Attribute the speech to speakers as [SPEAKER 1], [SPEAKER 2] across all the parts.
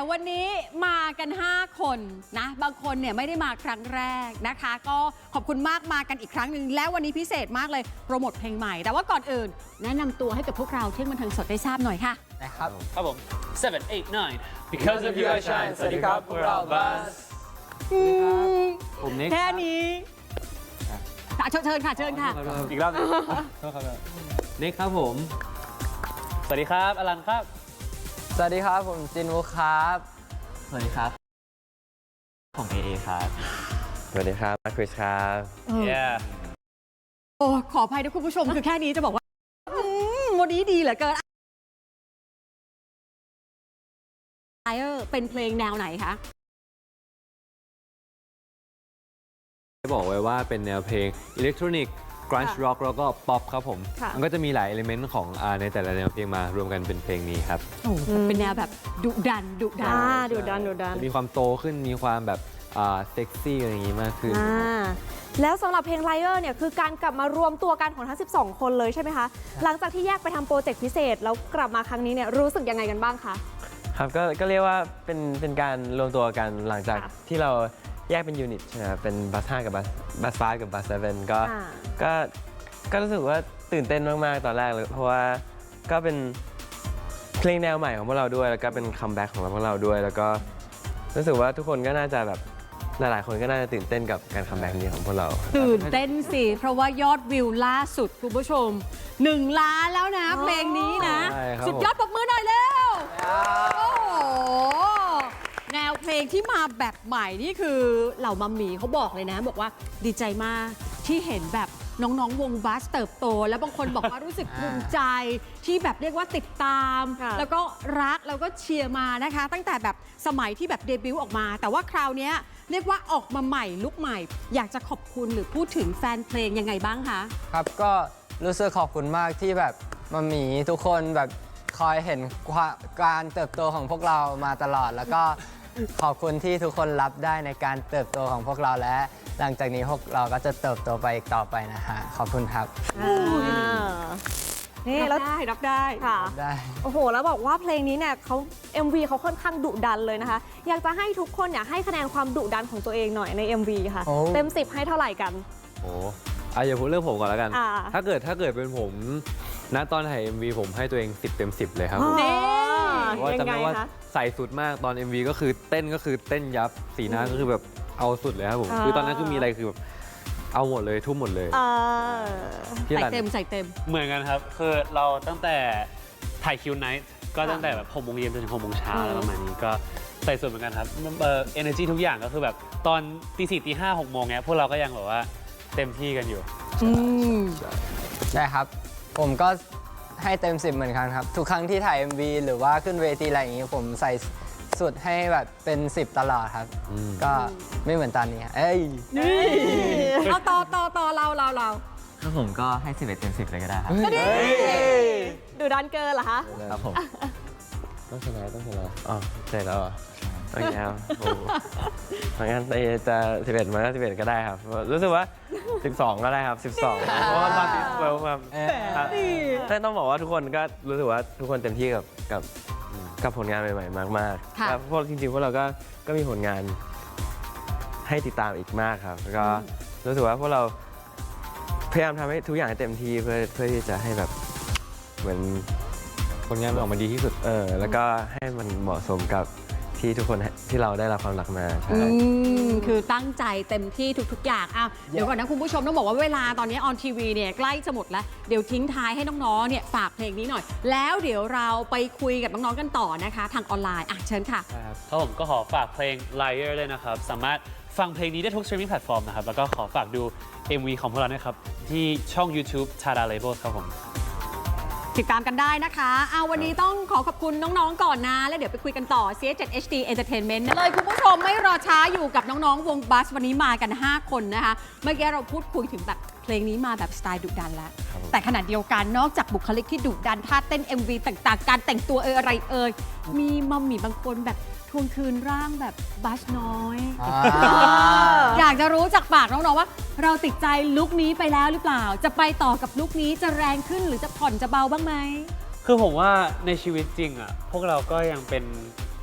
[SPEAKER 1] วันนี้มากัน 5 คนนะบางคนเนี่ยไม่ได้มาครั้งแรกนะคะ ก็ขอบคุณมากมากันอีกครั้งหนึ่งแล้ววันนี้พิเศษมากเลยโปรโมทเพลงใหม่แต่ว่าก่อนอื่นแนะนำตัวให้กับพวกเราเที่ยงบันเทิงสดได้ทราบหน่อยค่ะ
[SPEAKER 2] นะครับ
[SPEAKER 3] ครับผม 7 8 9 Because of you I shine สวัสดีครับพวกเราบัสผมนิก
[SPEAKER 1] แค่นี้เชิญค่ะเชิญค่ะ
[SPEAKER 3] อีกรอบนึงนิกครับผมสวัสดีครับอลันครับ
[SPEAKER 2] สวัสดีครับผมจินวุครับ
[SPEAKER 4] สวัสดีครับผมเอครับ
[SPEAKER 2] สวัสดีครับมาร์คคริสครับ
[SPEAKER 3] yeah
[SPEAKER 1] โอ้ขออภัยนะคุณผู้ชมคือแค่นี้จะบอกว่าวันนี้ดีเหลือเกินเป็นเพลงแนวไหนคะ
[SPEAKER 5] บอกไว้ว่าเป็นแนวเพลงอิเล็กทรอนิกส์กรันช์ร็อกแล้วก็ป๊อปครับผมมันก็จะมีหลายเอลิเมนต์ของในแต่ละแนวเพลงมารวมกันเป็นเพลงนี้ครับ
[SPEAKER 1] เป็นแนวแบบดุดันดุดัน
[SPEAKER 5] มีความโตขึ้นมีความแบบเซ็กซี่อะไรอย่างนี้มากขึ้น
[SPEAKER 6] แล้วสำหรับเพลง Liar เนี่ยคือการกลับมารวมตัวกันของทั้ง12 คนเลยใช่ไหมคะหลังจากที่แยกไปทำโปรเจกต์พิเศษแล้วกลับมาครั้งนี้เนี่ยรู้สึกยังไงกันบ้างคะ
[SPEAKER 7] ครับก็เรียกว่าเป็นการรวมตัวกันหลังจากที่เราแยกเป็นยูนิตใช่ไหมครับเป็นบัส5กับบัส5กับบัส7ก็รู้สึกว่าตื่นเต้นมากๆตอนแรกเลยเพราะว่าก็เป็นเพลงแนวใหม่ของพวกเราด้วยแล้วก็เป็นคัมแบ็กของพวกเราด้วยแล้วก็รู้สึกว่าทุกคนก็น่าจะแบบหลายๆคนก็น่าจะตื่นเต้นกับการคัมแบ็กนี้ของพวกเรา
[SPEAKER 1] ตื่นเต้นสิเพราะว่ายอดวิวล่าสุดคุณผู้ชม1 ล้านแล้วนะเพลงนี้นะสุดยอดปรบมือหน่อยเร็วโอ้โหแนวเพลงที่มาแบบใหม่นี่คือเหล่ามัมมี่เขาบอกเลยนะบอกว่าดีใจมากที่เห็นแบบน้องๆวงบัสเติบโตแล้วบางคนบอกว่ารู้สึกภูมิใจที่แบบเรียกว่าติดตามแล้วก็รักแล้วก็เชียร์มานะคะตั้งแต่แบบสมัยที่แบบเดบิวต์ออกมาแต่ว่าคราวนี้เรียกว่าออกมาใหม่ลุคใหม่อยากจะขอบคุณหรือพูดถึงแฟนเพลงยังไงบ้างคะ
[SPEAKER 2] ครับก็รู้สึกขอบคุณมากที่แบบมัมมี่ทุกคนแบบคอยเห็นการเติบโตของพวกเรามาตลอดแล้วก็ขอบคุณที่ทุกคนรับได้ในการเติบโตของพวกเราและหลังจากนี้พวกเราก็จะเติบโตไปอีกต่อไปนะฮะขอบคุณครับ
[SPEAKER 6] นี่
[SPEAKER 1] รับได้
[SPEAKER 6] ค่ะ
[SPEAKER 2] ได้
[SPEAKER 6] โอ้โหแล้วบอกว่าเพลงนี้เนี่ยเขา MV เขาค่อนข้างดุดันเลยนะคะอยากจะให้ทุกคนให้คะแนนความดุดันของตัวเองหน่อยใน MV ค่ะเต็ม10ให้เท่าไหร่กัน
[SPEAKER 5] โอ้อย่าพูดเรื่องผมก่อนแล้วกันถ้าเกิดเป็นผมณตอนถ่าย MV ผมให้ตัวเอง10 เต็ม 10เลยครับเพราะว่าจำได้ว่าใส่สุดมากตอน MV ก็คือเต้นยับสีหน้าก็คือแบบเอาสุดเลยครับผมคือตอนนั้นคือมีอะไรคือแบบเอาหมดเลยทุ่มหมดเลย
[SPEAKER 1] ใส่เต็ม
[SPEAKER 3] เหมือนกันครับคือเราตั้งแต่ถ่ายคิวไนท์ก็ตั้งแต่แบบ6 โมงเย็นจนถึง6 โมงเช้าแล้วประมาณนี้ก็ใส่สุดเหมือนกันครับenergy ทุกอย่างก็คือแบบตอนตี 4 ตี 5 6 โมงเนี้ยพวกเราก็ยังแบบว่าเต็มที่กันอยู่
[SPEAKER 2] ใช่ครับผมก็ให้เต็ม10เหมือนกันครับทุกครั้งที่ถ่าย MV หรือว่าขึ้นเวทีอะไรอย่างนี้ผมใส่สุดให้แบบเป็น10ตลอดครับก็ไม่เหมือนตอนนี้
[SPEAKER 1] เอาต่อเรา
[SPEAKER 4] แล้วผมก็ให้11 เต็ม 10เลยก็ได้ครับ
[SPEAKER 6] ดุดันเกินเหรอคะ
[SPEAKER 4] ครับผม
[SPEAKER 7] ต้องชนะอ๋อเสร็จแล้วเหรอโอเคครับเพราะงั้นจะ11มา11ก็ได้ครับรู้สึกว่า12ก็ได้ครับ12เพราะว่าตอนที่แบบต้องบอกว่าทุกคนก็รู้สึกว่าทุกคนเต็มที่กับผลงานใหม่ๆมากๆแล้วพวกจริงๆพวกเราก็มีผลงานให้ติดตามอีกมากครับแล้วก็รู้สึกว่าพวกเราพยายามทำให้ทุกอย่างเต็มที่เพื่อที่จะให้แบบเหมือน
[SPEAKER 5] ผลงานมันออกมาดีที่สุด
[SPEAKER 7] แล้วก็ให้มันเหมาะสมกับที่ทุกคนที่เราได้รับความรักมาใช่
[SPEAKER 1] คือตั้งใจเต็มที่ทุกๆอย่างเดี๋ยวก่อนนะคุณผู้ชมต้องบอกว่าเวลาตอนนี้ออนทีวีเนี่ยใกล้จะหมดแล้วเดี๋ยวทิ้งท้ายให้น้องๆเนี่ยฝากเพลงนี้หน่อยแล้วเดี๋ยวเราไปคุยกับน้องๆกันต่อนะคะทางออนไลน์เชิญค่ะ
[SPEAKER 3] ครับผมก็ขอฝากเพลง Liar เลยนะครับสามารถฟังเพลงนี้ได้ทุก streaming platform นะครับแล้วก็ขอฝากดู MV ของพวกเราด้วยครับที่ช่อง YouTube Tada Labels ครับผม
[SPEAKER 1] ติดตามกันได้นะคะวันนี้ต้องขอบคุณน้องๆก่อนนะแล้วเดี๋ยวไปคุยกันต่อ CS7 HD Entertainment เลยคุณผู้ชมไม่รอช้าอยู่กับน้องๆวงบัสวันนี้มากัน 5 คนนะคะเมื่อกี้เราพูดคุยถึงแบบเพลงนี้มาแบบสไตล์ดุดันแล้วแต่ขณะเดียวกันนอกจากบุคลิกที่ดุดันท่าเต้น MV ต่างๆการแต่งตัวอะไรมีมัมมี่บางคนแบบทวงคืนร่างแบบบัสน้อยอยากจะรู้จากปากน้องๆว่าเราติดใจลุคนี้ไปแล้วหรือเปล่าจะไปต่อกับลุคนี้จะแรงขึ้นหรือจะผ่อนจะเบาบ้างไหม
[SPEAKER 3] คือผมว่าในชีวิตจริงพวกเราก็ยังเป็น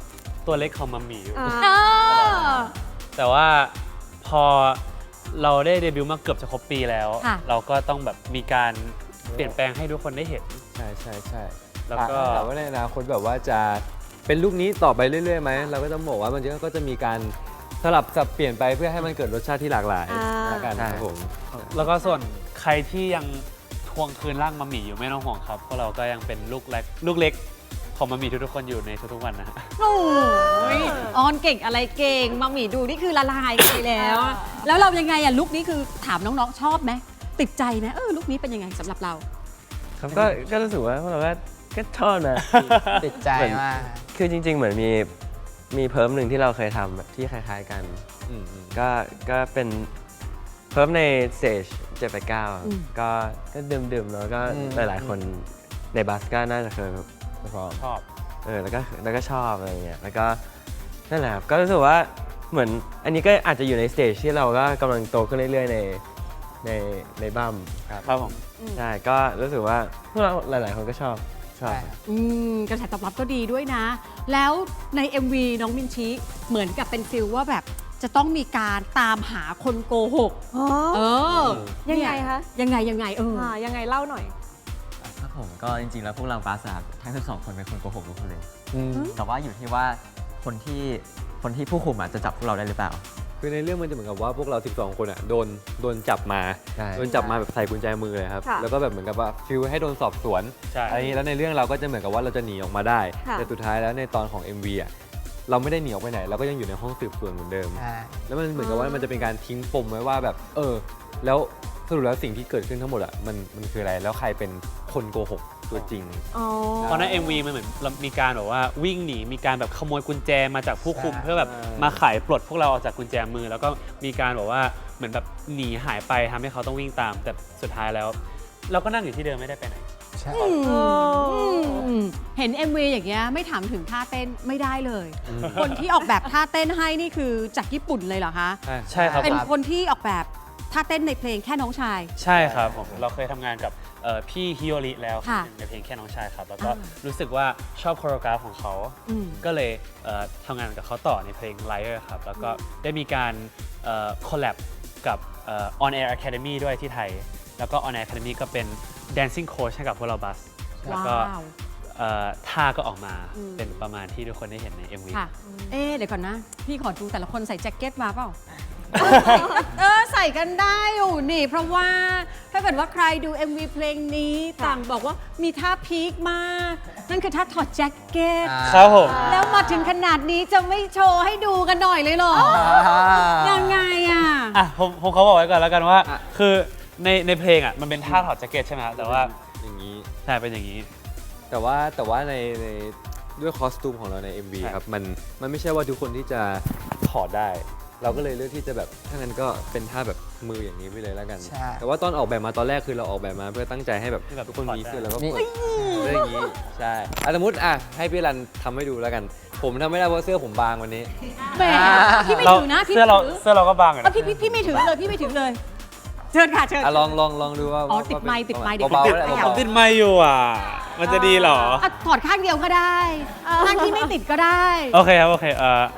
[SPEAKER 3] ตัวเล็กของมัมมี่อยู่
[SPEAKER 6] อ่า
[SPEAKER 1] เออ
[SPEAKER 3] แต่ว่าพอเราได้เดบิวต์มาเกือบจะครบปีแล้ว
[SPEAKER 1] ค่ะ
[SPEAKER 3] เราก็ต้องแบบมีการเปลี่ยนแปลงให้ทุกคนได้เห็น
[SPEAKER 5] ใช่ใช่ใช่
[SPEAKER 3] แล้วก็
[SPEAKER 5] ถามว่าในอนาคตแบบว่าจะเป็นลูกนี้ต่อไปเรื่อยๆไหมเราก็ต้องบอกว่ามันก็จะมีการสลับสับเปลี่ยนไปเพื่อให้มันเกิดรสชาติที่หลากหลาย
[SPEAKER 6] อ่า
[SPEAKER 5] แล้วกันครับผม
[SPEAKER 3] แล้วก็ส่วนใครที่ยังทวงคืนร่างมัมมี่อยู่ไม่ต้องห่วงครับเพราะเราก็ยังเป็นลูกเล็กของมัมมี่ทุกๆคนอยู่ในทุกๆวันนะฮะ
[SPEAKER 1] โอ้ยออนเก่งอะไรเก่งมัมมี่ดูนี่คือละลายไปแล้ว แล้วเรายังไงอะลุคนี้คือถามน้องๆชอบไหมติดใจไหมลุคนี้เป็นยังไงสำหรับเรา
[SPEAKER 7] ครับก็รู้สึกว่าพวกเราก็ชอบนะ
[SPEAKER 2] ติดใจมาก
[SPEAKER 7] คือจริง ๆ เหมือนมีเพิ่มหนึ่งที่เราเคยทำแบบที่คล้ายๆกัน
[SPEAKER 5] อืม
[SPEAKER 7] ก็เป็นเพิ่มในสเตจ
[SPEAKER 1] อืม
[SPEAKER 7] 789ก็ดื่มๆแล้วก็
[SPEAKER 2] อืม
[SPEAKER 7] หลายๆคนในบัสก็น่าจะเคยพอ
[SPEAKER 3] ชอบ
[SPEAKER 7] แล้วก็ชอบอะไรเงี้ยแล้วก็นั่นแหละครับก็รู้สึกว่าเหมือนอันนี้ก็อาจจะอยู่ในสเตจที่เราก็กำลังโตขึ้นเรื่อยๆในบัมครับ
[SPEAKER 3] ครับผม
[SPEAKER 7] ใช่ก็รู้สึกว่าพวกเราหลายๆคนก็ชอบ
[SPEAKER 2] ใช่
[SPEAKER 1] กระแสตอบรับก็ดีด้วยนะ แล้วใน MV น้องมินชิเหมือนกับเป็นฟิลว่าแบบจะต้องมีการตามหาคนโกหก
[SPEAKER 6] อ๋อ
[SPEAKER 1] เออ
[SPEAKER 6] ยังไงคะ
[SPEAKER 1] ยังไง
[SPEAKER 6] ยังไงเล่าหน่อย
[SPEAKER 4] ครับผมก็จริงๆ แล้วพวกเราบาสอะทั้ง12 คนเป็นคนโกหกทุกคนเลย
[SPEAKER 5] อืม
[SPEAKER 4] แต่ว่าอยู่ที่ว่าคนที่ผู้คุมอะจะจับพวกเราได้หรือเปล่า
[SPEAKER 5] คือในเรื่องมันจะเหมือนกับว่าพวกเรา 12 คนอ่ะโดนจับมา
[SPEAKER 7] ใช่
[SPEAKER 5] โดนจับมาแบบใส่กุญแจมือเลยครับ
[SPEAKER 6] ค่ะ
[SPEAKER 5] แล้วก็แบบเหมือนกับว่าฟิลให้โดนสอบสวน
[SPEAKER 3] ใช่
[SPEAKER 5] อะไรอย่างนี้แล้วในเรื่องเราก็จะเหมือนกับว่าเราจะหนีออกมาได้
[SPEAKER 6] ค่ะ
[SPEAKER 5] แต่สุดท้ายแล้วในตอนของ MV อ่ะเราไม่ได้หนีออกไปไหน เราก็ยังอยู่ในห้องสืบสวนเหมือนเดิม
[SPEAKER 2] ใช่
[SPEAKER 5] แล้วมันเหมือนกับว่ามันจะเป็นการทิ้งปมไว้ว่าแบบแล้วสรุปแล้วสิ่งที่เกิดขึ้นทั้งหมดอ่ะมันคืออะไรแล้วใครเป็นคนโกหกตัวจริง
[SPEAKER 6] อ๋อ
[SPEAKER 3] เพราะใน MV มันเหมือนเรามีการแบบว่าวิ่งหนีมีการแบบขโมยกุญแจมาจากผู้คุม
[SPEAKER 2] ใช่
[SPEAKER 3] เพื่อแบบมาไขปลดพวกเราออกจากกุญแจมือ แล้วก็มีการแบบว่าเหมือนแบบหนีหายไปทำให้เขาต้องวิ่งตาม แต่สุดท้ายแล้ว เราก็นั่งอยู่ที่เดิมไม่ได้ไปไหน
[SPEAKER 2] ใช่
[SPEAKER 1] เห็น MV อย่างเงี้ยไม่ถามถึงท่าเต้นไม่ได้เลย คนที่ออกแบบท่าเต้นให้นี่คือจากญี่ปุ่นเลยเหรอคะ
[SPEAKER 3] ใช่ครับ
[SPEAKER 1] เป็น
[SPEAKER 3] ผม
[SPEAKER 1] คนที่ออกแบบท่าเต้นในเพลงแค่น้องชาย
[SPEAKER 3] ใช่ครับผมเราเคยทำงานกับพี่ฮิโอริแล้ว
[SPEAKER 1] ค่ะ
[SPEAKER 3] ในเพลงแค่น้องชายครับ แล้วก็รู้สึกว่าชอบโคโรกราฟของเขา
[SPEAKER 1] อืม
[SPEAKER 3] ก็เลยทำงานกับเขาต่อในเพลง Liar ครับ แล้วก็ได้มีการคอลแลบกับ On Air Academy ด้วยที่ไทย แล้วก็ On Air Academy ก็เป็น Dancing Coach ให้กับพวกเราบัส แล้วก็
[SPEAKER 1] ว้าว
[SPEAKER 3] ท่าก็ออกมาเป็นประมาณที่ทุกคนได้เห็นใน MV
[SPEAKER 1] ค่ะ เดี๋ยวก่อนนะ พี่ขอดูแต่ละคนใส่แจ็คเก็ตมาเปล่า ใส่กันได้อยู่นี่ เพราะว่าถ้าเกิดว่าใครดู MV เพลงนี้ต่างบอกว่ามีท่าพีคมาก นั่นคือท่าถอดแจ็คเก็ต
[SPEAKER 3] ครับผม
[SPEAKER 1] แล้วมาถึงขนาดนี้จะไม่โชว์ให้ดูกันหน่อยเลยเหรอ ยังไงอ่ะ
[SPEAKER 3] ผมเขาบอกไว้ก่อนแล้วกันว่า คือในเพลงอ่ะมันเป็นท่าถอดแจ็คเก็ตใช่ไหมครับแต่ว่า
[SPEAKER 5] อย่างนี้
[SPEAKER 3] ใช่เป็นอย่างนี้
[SPEAKER 5] แต่ว่าในด้วยคอสตูมของเราใน MV
[SPEAKER 3] ใช่
[SPEAKER 5] ครับมันไม่ใช่ว่าทุกคนที่จะถอดได้ เราก็เลยเลือกที่จะแบบถ้างั้นก็เป็นท่าแบบมืออย่างนี้ไปเลยแล้วกัน
[SPEAKER 2] ใช่
[SPEAKER 5] แต่ว่าตอนออกแบบมาตอนแรกคือเราออกแบบมาเพื่อตั้งใจให้แบบทุกคนมีเสื้อแล้วก็
[SPEAKER 2] นี่
[SPEAKER 5] เปิดเสื้ออย่างนี้ใช่สมมติให้พี่รันทำให้ดูแล้วกัน ผมทำไม่ได้เพราะเสื้อผมบางวันนี้
[SPEAKER 1] แหมพี่ไม่ถือนะพี่
[SPEAKER 3] เสื้
[SPEAKER 1] ไม่
[SPEAKER 3] อ
[SPEAKER 1] ถือ
[SPEAKER 3] เสื้อเราก็บางอยู่นะ
[SPEAKER 1] พี่ไม่ถือเลยพี่ไม่ถือเลย เชิญค่ะเชิญ
[SPEAKER 5] ลองดูว่า
[SPEAKER 1] อ๋อติดไมค์ติดไมค์เดี๋ยว
[SPEAKER 5] เบาๆ
[SPEAKER 1] ติด
[SPEAKER 5] แหละ
[SPEAKER 1] ไมค์
[SPEAKER 5] เบา
[SPEAKER 3] ติดไมค์อยู่อ่ะ มันจะดีเหรอ
[SPEAKER 1] ถอดข้างเดียวก็ได้ข้างที่ไม่ติดก็ได้
[SPEAKER 3] โอเคครับ โอเค
[SPEAKER 5] ๆ
[SPEAKER 1] เอ้ย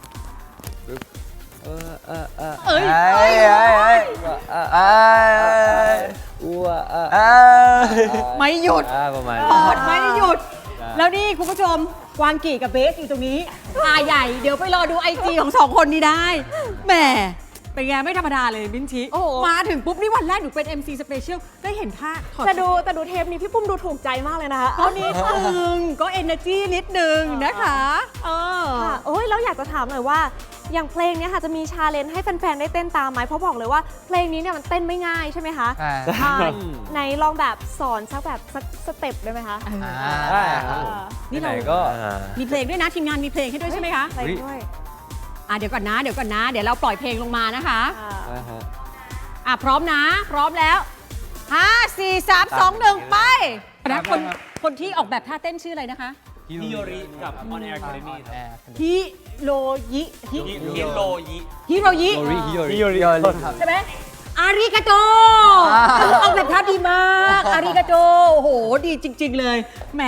[SPEAKER 1] ไม่หยุด
[SPEAKER 5] ประมาณ
[SPEAKER 1] ถอดไม่หยุด แล้วนี่คุณผู้ชมกวางกี่กับเบสอยู่ตรงนี้ตาใหญ่เดี๋ยวไปรอดู IG ของสองคนนี้ได้แหมเป็นไงไม่ธรรมดาเลยบินชิ
[SPEAKER 6] โอ้โห
[SPEAKER 1] มาถึงปุ๊บนี่วันแรกหนูเป็น MC Special ได้เห็นท่าถอด
[SPEAKER 6] แต่ดูเทปนี้พี่ปุ้มดูถูกใจมากเลยนะคะ
[SPEAKER 1] ก็นิดนึงก็ energy นิดนึงนะคะ
[SPEAKER 6] ค่ะโอ้ยแล้วอยากจะถามหน่อยว่า อย่างเพลงเนี้ยค่ะจะมีชาเลนจ์ให้แฟนๆได้เต้นตามไหมเพราะบอกเลยว่าเพลงนี้เนี่ยมันเต้นไม่ง่ายใช่ไหมคะ
[SPEAKER 2] ใช่
[SPEAKER 6] อ่าไหนลองแบบสอนสักแบบสักสเต็ปได้ไหมคะ
[SPEAKER 5] ได้ครับผม
[SPEAKER 1] นี่
[SPEAKER 5] ไหน
[SPEAKER 1] เรา
[SPEAKER 5] ๆก็
[SPEAKER 1] มีเพลงด้วยนะทีมงานมีเพลงให้ด้วยใช่ไหมคะ
[SPEAKER 6] เพลงด้วย
[SPEAKER 1] เดี๋ยวก่อนนะเดี๋ยวเราปล่อยเพลงลงมานะคะ
[SPEAKER 6] อ่า
[SPEAKER 1] พร้อมนะพร้อมแล้ว 5 4 3 2 1 ไปนะคนที่ออกแบบท่าเต้นชื่ออะไรนะคะ
[SPEAKER 3] ฮิโยริกับ On Air Academy ครับ
[SPEAKER 1] ฮิโรยิฮิ
[SPEAKER 3] ฮิโรยิ
[SPEAKER 1] ฮิโรยิ
[SPEAKER 5] ฮิโยริ
[SPEAKER 1] ใช่ไหมอาริกาโตออกแบบท่าดีมากอาริกาโตโอ้โหดีจริง ๆ เลยแหม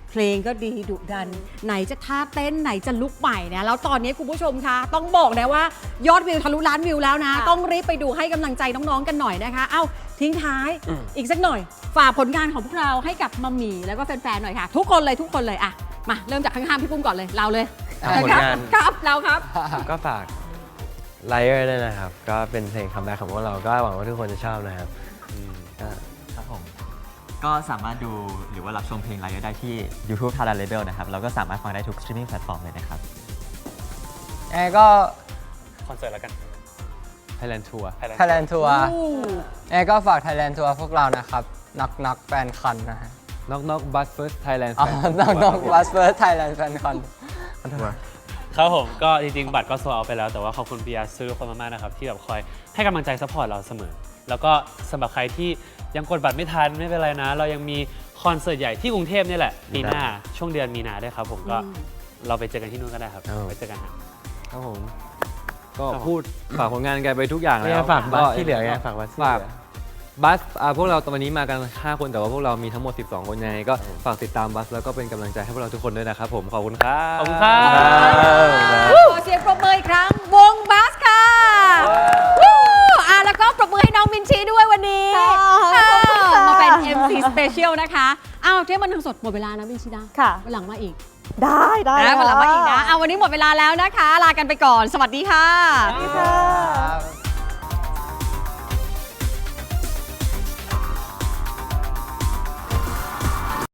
[SPEAKER 1] เพลงก็ดีดุดัน ไหนจะท่าเต้นไหนจะลุกใหม่นะแล้วตอนนี้คุณผู้ชมคะต้องบอกนะว่ายอดวิวทะลุล้านวิวแล้วนะ ต้องรีบไปดูให้กำลังใจน้องๆกันหน่อยนะคะเอ้าทิ้งท้ายอีกสักหน่อยฝากผลงานของพวกเราให้กับมัมหมี่แล้วก็แฟนๆหน่อยค่ะทุกคนเลยอ่ะมาเริ่มจากข้างๆพี่ปุ้มก่อนเลยเราเลย
[SPEAKER 7] ผลงาน
[SPEAKER 1] ครับเราครับ
[SPEAKER 7] ก็ฝากไลเออร์ด้วยนะครับ ก็เป็นเพลงคัมแบ็กของพวกเรา ก็หวังว่าทุกคนจะชอบนะครับก็
[SPEAKER 4] ครับผม ก็สามารถดูหรือว่ารับชมเพลงไลฟ์ได้ที่ YouTube Thailand Label นะครับ แล้วก็สามารถฟังได้ทุก streaming platform เลยนะครับ
[SPEAKER 2] แอร์ก็
[SPEAKER 3] คอนเสิร์ตแล้วกัน
[SPEAKER 5] Thailand Tour
[SPEAKER 2] Thailand Tour แอร์ก็ฝาก Thailand Tour พวกเรานะครับนักแฟนคอนนะฮะ
[SPEAKER 5] Knock Knock Bus First Thailand
[SPEAKER 2] อ๋อ
[SPEAKER 5] Fan
[SPEAKER 2] นักบัสเฟิร์สไทยแลนด์แฟนคอน
[SPEAKER 3] ครับผมก็จริงๆ บัตรก็โซลเอาท์ไปแล้ว แต่ว่าขอบคุณปียาซื้อคนมากๆนะครับ ที่แบบคอยให้กำลังใจซัพพอร์ตเราเสมอ แล้วก็สำหรับใครที่ยังกดบัตรไม่ทันไม่เป็นไรนะ เรายังมีคอนเสิร์ตใหญ่ที่กรุงเทพนี่แหละปีหน้าช่วงเดือนมีนาด้วยครับผมก็เราไปเจอกันที่นู่นก็ได้ครับไปเจอกันครับ
[SPEAKER 5] ครับผม ก็พูดฝากผลงานกันไปทุกอย่างแล้ว
[SPEAKER 7] ฝากบัส
[SPEAKER 5] ก็
[SPEAKER 7] ที่เหลือไงฝากบัสที่เห
[SPEAKER 5] ฝาก
[SPEAKER 7] ลือ
[SPEAKER 5] บัสพวกเราตอนนี้มากัน 5 คนแต่ว่าพวกเรามีทั้งหมด 12 คนยังไงก็ฝากติดตามบัสแล้วก็เป็นกำลังใจให้พวกเราทุกคนด้วยนะครับผมขอบคุณครับ
[SPEAKER 3] ขอบคุณครับ
[SPEAKER 1] ขอเสียงปรบมืออีกครั้งวงบัสค่ะวู้แล้วก็ปรบมือให้น้องมินชีด้วยวันนี้มาเป็น MC Special นะคะอ้าวเที่ยงบันเทิงสดหมดเวลานะมินชีนะ
[SPEAKER 6] ค่ะ
[SPEAKER 1] วันหลังมาอีก
[SPEAKER 6] ได้
[SPEAKER 1] วันหลังมาอีกนะวันนี้หมดเวลาแล้วนะคะ ลากันไปก่อน สวัสดีค่ะ
[SPEAKER 6] สวัสดีค่ะ